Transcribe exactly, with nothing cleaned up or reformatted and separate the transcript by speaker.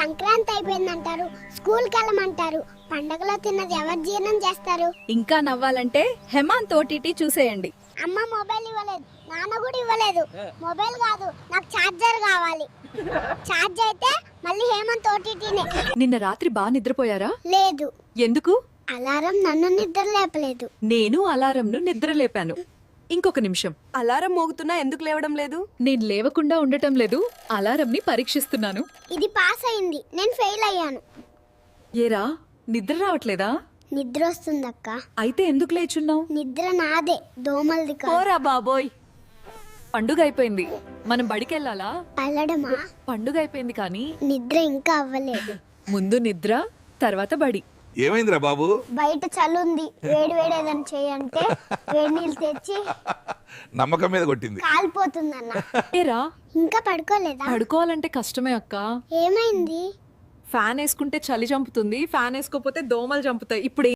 Speaker 1: సంక్రాంతి అయిపోయిందంటారు, స్కూల్కి వెళ్ళమంటారు. పండగలో తిన్నది ఎవరు జీర్ణం చేస్తారు?
Speaker 2: ఇంకా నవ్వాలంటే హేమాంత్ ఓటీటీ చూసేయండి.
Speaker 1: అమ్మ మొబైల్ ఇవ్వలేదు, నాన్న కూడా ఇవ్వలేదు. మొబైల్ కాదు, నాకు ఛార్జర్ కావాలి. ఛార్జ్ అయితే మళ్ళీ హేమంత్ ఓటీటీనే.
Speaker 3: నిన్న రాత్రి బాగా నిద్రపోయారా?
Speaker 1: లేదు,
Speaker 3: ఎందుకు?
Speaker 1: అలారం నన్ను నిద్ర లేపలేదు.
Speaker 3: నేను అలారంను నిద్ర లేపాను. ఇంకొక నిమిషం. అలారం మోగుతున్నా ఎందుకు లేవడం లేదు?
Speaker 2: నేను లేవకుండా ఉండటం లేదు, అలారంని పరీక్షిస్తున్నాను.
Speaker 1: ఇది పాస్ అయింది, నేను ఫెయిల్ అయ్యాను.
Speaker 3: ఏరా, నిద్ర రావట్లేదా?
Speaker 1: నిద్ర వస్తుందక్క.
Speaker 3: అయితే ఎందుకు లేచున్నావు?
Speaker 1: నిద్ర నాదే, దోమలది కాదు.
Speaker 3: పోరా బాబోయ్, పండుగ అయిపోయింది, మనం బడికెళ్ళాలా?
Speaker 1: అల్లడమా?
Speaker 3: పండుగ అయిపోయింది కానీ
Speaker 1: నిద్ర ఇంకా అవ్వలేదు.
Speaker 3: ముందు నిద్ర, తర్వాత బడి.
Speaker 4: ఏమైందిరా బాబు?
Speaker 1: బయట చలుంది, వేడి వేడి ఏదైనా చేయంటే వేడి నీళ్ళు తెచ్చి
Speaker 4: నమ్మకం మీద కొట్టింది.
Speaker 1: కాలిపోతుందన్న.
Speaker 3: ఏరా,
Speaker 1: ఇంకా పడుకోలేదా?
Speaker 3: పడుకోవాలంటే కష్టమే అక్క.
Speaker 1: ఏమైంది?
Speaker 3: ఫ్యాన్ వేసుకుంటే చలి చంపుతుంది, ఫ్యాన్ వేసుకోకపోతే దోమలు చంపుతాయి. ఇప్పుడు